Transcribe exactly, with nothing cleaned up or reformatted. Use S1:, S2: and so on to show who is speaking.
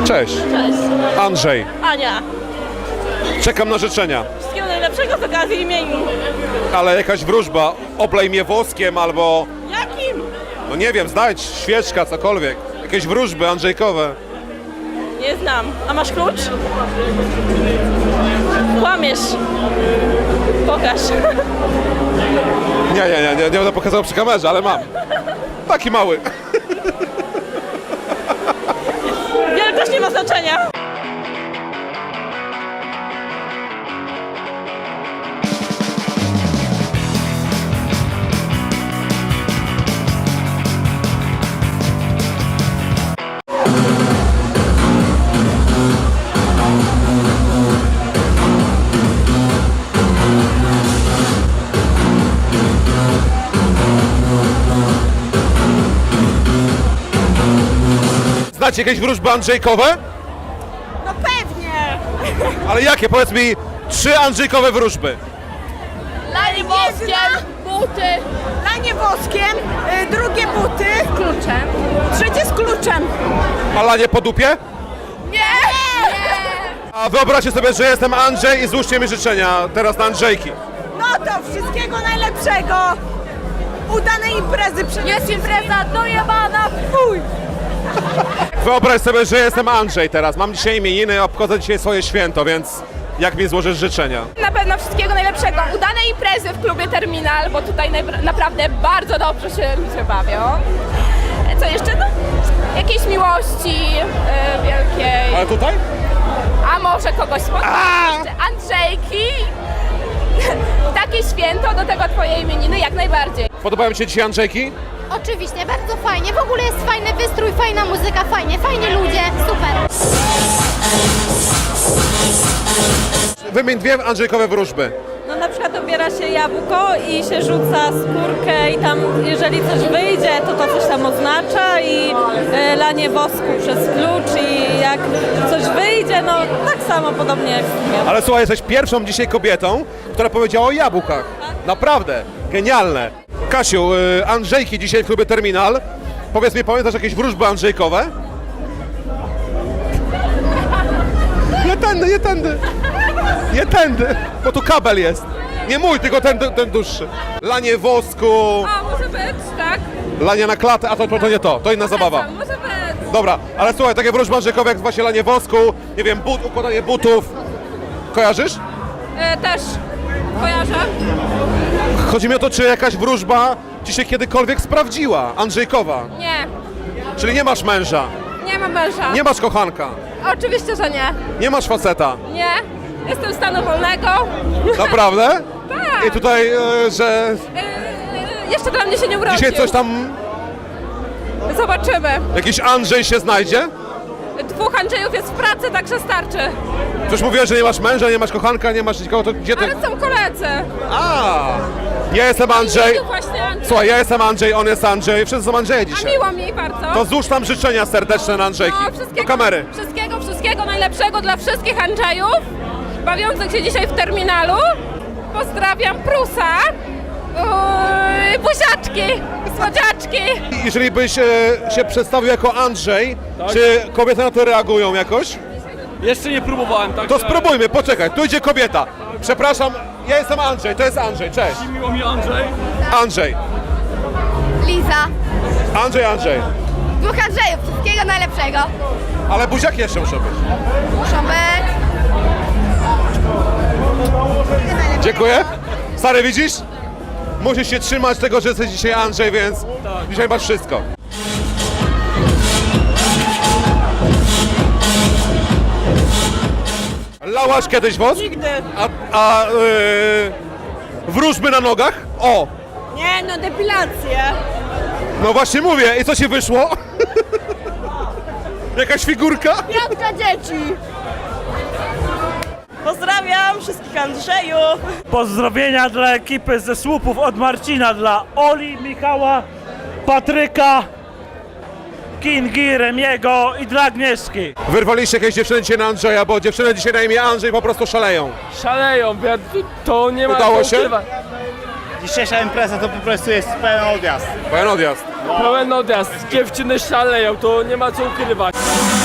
S1: Cześć.
S2: Cześć.
S1: Andrzej.
S2: Ania.
S1: Czekam na życzenia.
S2: Wszystkiego najlepszego z okazji imienin.
S1: Ale jakaś wróżba, oblej mnie woskiem albo...
S2: Jakim?
S1: No nie wiem, znajdź świeczka, cokolwiek. Jakieś wróżby andrzejkowe.
S2: Nie znam. A masz klucz? Kłamiesz. Pokaż.
S1: Nie, nie, nie, nie, nie będę pokazał przy kamerze, ale mam. Taki mały.
S2: Wielkość nie ma znaczenia.
S1: Znacie jakieś wróżby andrzejkowe?
S2: No pewnie.
S1: Ale jakie? Powiedz mi trzy andrzejkowe wróżby.
S2: Lanie woskiem. Buty.
S3: Lanie woskiem, y, drugie buty,
S2: Kluczem.
S3: trzecie z kluczem.
S1: A lanie po dupie?
S3: Nie!
S1: A wyobraźcie sobie, że jestem Andrzej i złóżcie mi życzenia teraz na Andrzejki.
S3: No to wszystkiego najlepszego. Udanej imprezy. Przy...
S2: Jest impreza dojebana. Fuj.
S1: Wyobraź sobie, że jestem Andrzej teraz. Mam dzisiaj imieniny, obchodzę dzisiaj swoje święto, więc jak mi złożysz życzenia?
S4: Na pewno wszystkiego najlepszego. Udanej imprezy w klubie Terminal, bo tutaj najbra- naprawdę bardzo dobrze się ludzie bawią. E, Co jeszcze? No, jakiejś miłości e, wielkiej.
S1: Ale tutaj?
S4: A może kogoś spotkać? Jeszcze Andrzejki. Takie święto, do tego twoje imieniny jak najbardziej.
S1: Podobają ci się dzisiaj Andrzejki?
S5: Oczywiście, bardzo fajnie. W ogóle jest fajny wystrój, fajna muzyka, fajnie, fajni ludzie, super.
S1: Wymień dwie andrzejkowe wróżby.
S2: No na przykład obiera się jabłko i się rzuca skórkę i tam jeżeli coś wyjdzie, to to coś tam oznacza i e, lanie wosku przez klucz i jak coś wyjdzie, no tak samo podobnie jak z tym.
S1: Ale słuchaj, jesteś pierwszą dzisiaj kobietą, która powiedziała o jabłkach. Naprawdę, genialne. Kasiu, y, Andrzejki dzisiaj w klubie Terminal. Powiedz mi, pamiętasz jakieś wróżby andrzejkowe? Nie tędy, nie tędy. Nie tędy, bo tu kabel jest. Nie mój, tylko ten, ten dłuższy. Lanie wosku,
S4: A może być, tak?
S1: lanie na klatę, a to, to, to nie to, to inna zabawa.
S4: Może być.
S1: Dobra, ale słuchaj, takie wróżby andrzejkowe jak właśnie lanie wosku, nie wiem, but, układanie butów. Kojarzysz?
S4: E, też kojarzę.
S1: Chodzi mi o to, czy jakaś wróżba ci się kiedykolwiek sprawdziła, andrzejkowa.
S4: Nie,
S1: Czyli nie masz męża,
S4: nie mam męża.
S1: nie masz kochanka,
S4: Oczywiście, że nie.
S1: nie masz faceta.
S4: Nie. Jestem stanu wolnego.
S1: Naprawdę?
S4: Tak.
S1: I tutaj, e, że
S4: E, e, jeszcze dla mnie się nie urodził.
S1: dzisiaj coś tam,
S4: Zobaczymy.
S1: jakiś Andrzej się znajdzie?
S4: Dwóch Andrzejów jest w pracy, także starczy.
S1: Przecież mówiłeś, że nie masz męża, nie masz kochanka, nie masz nikogo, to gdzie ty...
S4: Ale są koledzy.
S1: A, ja jestem Andrzej.
S4: Tu właśnie Andrzej.
S1: Słuchaj, ja jestem Andrzej, on jest Andrzej, wszyscy są Andrzeje
S4: A
S1: dzisiaj.
S4: miło mi bardzo.
S1: To złóż tam życzenia serdeczne na Andrzejki.
S4: No,
S1: Do
S4: wszystkiego,
S1: kamery.
S4: Wszystkiego, wszystkiego najlepszego dla wszystkich Andrzejów bawiących się dzisiaj w terminalu. Pozdrawiam Prusa. Uuu, buziaczki, słodziaczki.
S1: Jeżeli byś e, się przedstawił jako Andrzej, czy kobiety na to reagują jakoś?
S6: Jeszcze nie próbowałem, tak?
S1: To spróbujmy, poczekaj, tu idzie kobieta. Przepraszam, ja jestem Andrzej, to jest Andrzej, cześć.
S6: Miło mi, Andrzej.
S1: Andrzej,
S5: Liza,
S1: Andrzej, Andrzej.
S5: dwóch Andrzejów, wszystkiego najlepszego.
S1: Ale buziaki jeszcze muszą być.
S5: Muszą być.
S1: Dziękuję. Stary, widzisz? Musisz się trzymać tego, że jesteś dzisiaj Andrzej, więc dzisiaj masz wszystko. Lałaś kiedyś wosk?
S3: Nigdy.
S1: A, a yy, wróżby na nogach? O!
S3: Nie, no depilację.
S1: No właśnie mówię, i co ci wyszło? Jakaś figurka?
S3: Piątka dzieci. Pozdrawiam wszystkich Andrzejów.
S6: Pozdrowienia dla ekipy ze słupów od Marcina, dla Oli, Michała, Patryka, Kingi, Remiego i dla Agnieszki.
S1: Wyrwaliście jakieś dziewczyny dzisiaj na Andrzeja, bo dziewczyny dzisiaj na imię Andrzej po prostu szaleją.
S7: Szaleją, ja- to nie ma
S1: Udało
S7: co
S1: się?
S7: ukrywać.
S8: Dzisiejsza impreza to po prostu jest pełen odjazd.
S1: Pełen odjazd.
S7: Pełen odjazd, dziewczyny szaleją, to nie ma co ukrywać.